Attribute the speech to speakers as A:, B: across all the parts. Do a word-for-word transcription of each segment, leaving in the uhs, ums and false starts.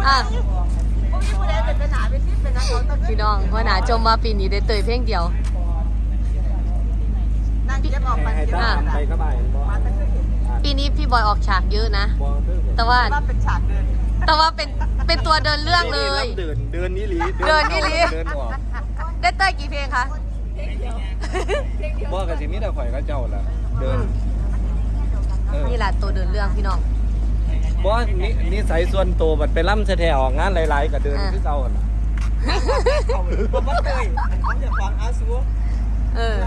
A: อ่ะพี่น้องว่าหนาจมว่าปีนี้ได้เตยเพลงเดียวปีนี้พี่บอยออกฉากเยอะนะแต่ว่าแต่ว่าเป็นเป็นตัวเดินเรื่องเลย
B: เดินเดินนี่หลี
A: เดินนี่หลี
B: เดินออก
A: ได้เตยกี่เพลงคะ
B: บ่กับสิมีแต่ข่อยก็เจ้าล่ะเดิน
A: นี่แหละตัวเดินเรื่องพี่น้อง
B: บ่นี่นี่ใส่ส่วนตัวบัดไปล่ำแท้ๆออกงานหลายๆก็เดินคือเก่าล่ะ
C: ผมว่าเตยผมจะฟังอาซู
A: เออ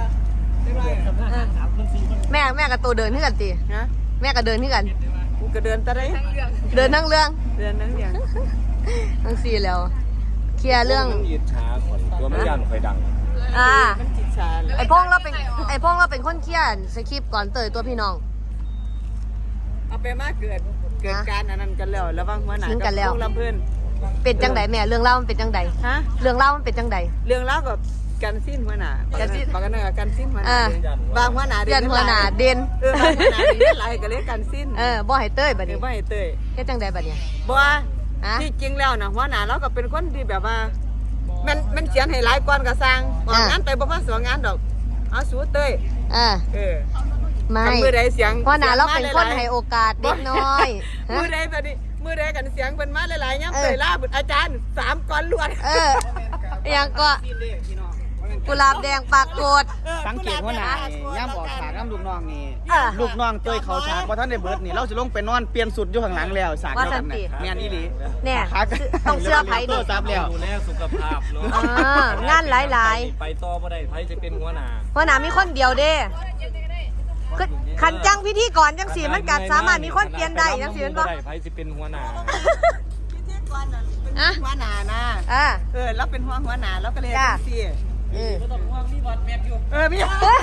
A: แม่แม่กับตัวเดินที่กันตีแม่กับเดินที่กัน
C: ก็เดินตะได้
A: เดินทั้งเรื่อง
C: เดินทั้งเรื่อง
A: ทั้งสี่แล้วเคลียร์เรื่อง
B: ยืดช้าข่อยตัวมันยันข่อยดัง
A: อ่าไอพ่องเราเป็นไอพ่องเราเป็นคนเคลียร์สคริปต์ก่อนเตยตัวพี่น้อง
C: เอาไปมากเกิดเกิดการอันนั้นกันแล้วระวังหัวหน้ากับพวกลำเพื่อน
A: เป็นจังไดแม่เรื่องเล่ามันเป็นจังไดฮะเรื่องเล่ามันเป็นจังได
C: เรื่องเล่ากับกันสิ้นหัวหน้ากันสิ้นปากกันเนอกันสิ้นหัวหน้าบางหัวหน้า
A: เด่นหัวหน้าเด่น
C: เออบางหัวหน้าเด่นหลายก็เลยกันสิ้น
A: เออบ่ให้เตยบัดนี้
C: บ่ให้เตย
A: เฮ็ดจังไดบัดนี้
C: บ่ที่จริงแล้วนะหัวหน้าเราก็เป็นคนที่แบบว่ามันมันเขียนให้หลายก้อนก็สร้างออกงานไปบ่มาสองงานดอกเอาสู้เตย
A: อ่า
C: เออ
A: ไม่
C: มือใดเสียง
A: หัวหน้าเราเป็นคนให้โอกาสเด็กน้อย
C: มือใดแบบนี้มือใดกันเสียงเป็นมาหลายๆย่ำเตยล่าบุตรอาจารย์สามก้อนล้วน
A: เออยังก็กุหลาบแดงปากโกด
D: สังเกตว่าหนาย่ำออกฉากน้ำลูกน้องนี่ลูกน้องเตยเขาฉากพอท่านได้เบิร์ดนี่เราจะลงไปนอนเปลี่ยนสุดอยู่ข้างหลังแล้วฉากเดียวกันเนี่ยแม่นอีหลี
A: เนี่ยต้องเสื้อไผ่
D: ดูซับแล้ว
B: ดูแลสุขภาพเนา
A: ะงานหลาย
B: ๆไปต่อบ่ได้ไผจะเป็นหัวหน้า
A: หัวหน้ามีคนเดียวเด้ขันจังพิธีก่อนจังสีมันกัดสามารถมีคนเปลี่ยนได้จังสีมันบ่
B: ได้ไผจะเป็นหัวหน้า
C: พิธีก่อนน่ะเป็นหัวหน้านะเออแล้วเป็นหัวหัวหน้าแล้วก็เลยสิ
A: เออ
C: มีบอดแม็กอยู่เออมี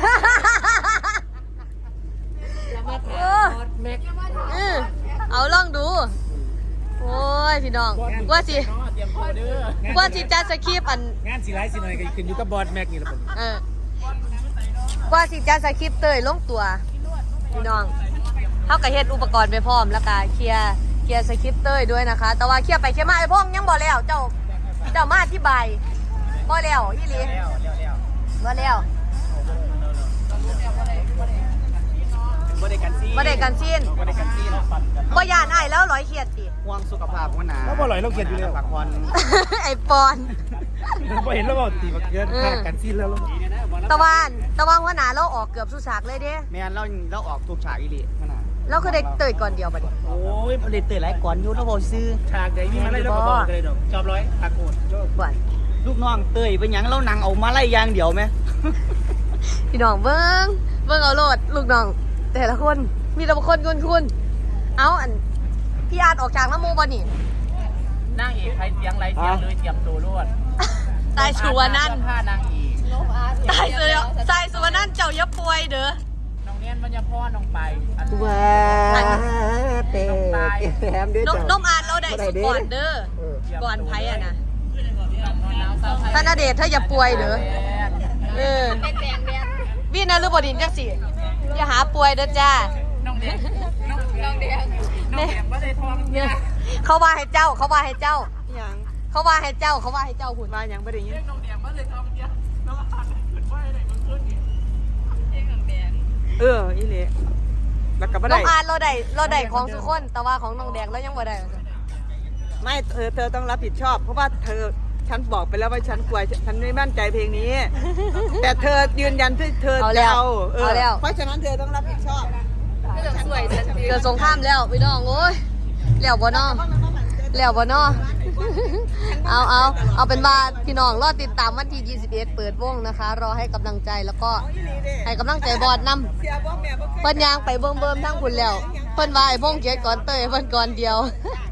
A: เอาลองดูโอ้ยพี่น้องว่าสิว่าสิจัดสคริปต์อัน
D: งานสีไลท์สีหน่อยก็ขึ้นอยู่กับบอดแม็กนี่แหละผม
A: เออว่าสิจัดสคริปต์เตยลงตัวพี่น้องเขาก็เฮ็ดอุปกรณ์ไปพร้อมแล้วก็เคลียร์เคลียร์สคริปต์เตยด้วยนะคะแต่ว่าเคลียร์ไปเคลียร์มาไอ้พ่อยังบ่แล้วเจ้าเจ้ามาอธิบายบ่แล้วอีหลีบ่แล้ว
D: บ่ได้กันซีน
A: บ่ได้กันซีน
D: บ่ได้กันซีน
A: บ่ย่านอ้ายแล้วร้อยเครียดติ
D: ห่วงสุขภาพหัวหน้า
B: แล้วบ่ร้อยเราเครียดอยู่แล้ว
D: พักผ่อน
A: ไอ้ปอน
B: บ่เห็นแล้วบ่ตีบักเกินค่ากันซีนแล้ว
A: ตะวันตะวันหัวหน้าเราออกเกือบสุฉากเลยเด้
D: แม่นเราเราออกทุกฉากอีหลีหัวหน้า
A: เราคือได้เตยก่อนเดียวบัดนี้
D: โอ้ยบ่ได้เตยหลายก่อนอยู่แล้วบ่ซื้อฉากใดมีมาไล่แล้วก็บอกเลยดอกจอบร้อยตะโกน
A: บ่
D: ลูกน้องเตยเป็นหยังเรานั่งเอามาไล่ยางเดียวไหม
A: พี่น้องเบิ้งเบิ้งเอาโลดลูกน้องแต่ละคนมีแต่ละคนคุณคุณเอาอันพี่อาร์ตออกจากน้ำมูบ่นี่
D: นั่งเอกใครเสียงไรเสียงเลยเตรียมตัวรวด
A: ตายชัวนั่น
D: ผ้านางเอก
A: ตายเสือตายชัวนั่นเจ้าอย่าป่วยเด้อ
D: น้องเนียนมันจะพ่อน้องไป
C: ว้าเตะแถมด้วยจ้ะ
A: น้องอาร์ตเราได้สุดก่อนเด้อก่อนไผ่อะนะท่านณเดชน์ถ้าอย่าป่วยเด้อเออพี่นะรู้บดินจังสิอย่าหาป่วยเด้อจ้า
D: น้องแดงน้องแดงน้องแดงบ่ได้ทอง
A: เนี่ยเขาว่าให้เจ้าเขาว่าให้เจ้า
C: อย่าง
A: เขาว่าให้เจ้าเขาว่าให้เจ้าหุ่น
C: ว่าอย่างบ่ได้ยิน
D: น้องแดงบ่ได้ทองเดียวน้องอาร์ตขึ้นว่าให้ได้มันขึ้นนี่เองน้องแดง
C: เอออีหลีแล้วก็บ่ได้
A: น้องอาร์ตเราได้เราได้ของทุกคนแต่ว่าของน้องแดงเรายังบ่ได้
C: ไม่เธอเธอต้องรับผิดชอบเพราะว่าเธอฉันบอกไปแล้วว่าฉันกลัวฉันไม่มั่นใจเพลงนี้แต่เธอยืนยันที่เธอจะเอาเออเพราะฉะนั้นเธอต้องรับผิดชอบ
A: เกิดสงครามแล้วพี่น้องโอ้ยแล้วบ่น้อแล้วบ่น้อเอาเอาเอาเป็นว่าพี่น้องรอติดตามวันที่ยี่สิบเอ็ดเปิดวงนะคะรอให้กำลังใจแล้วก็ให้กำลังใจบอดนำเพิ่นยางไปเบิ่มๆทั้งคุณแล้วเพิ่นว่าไอ้พงเกียรติก่อนเตยเพิ่นก่อนเดียว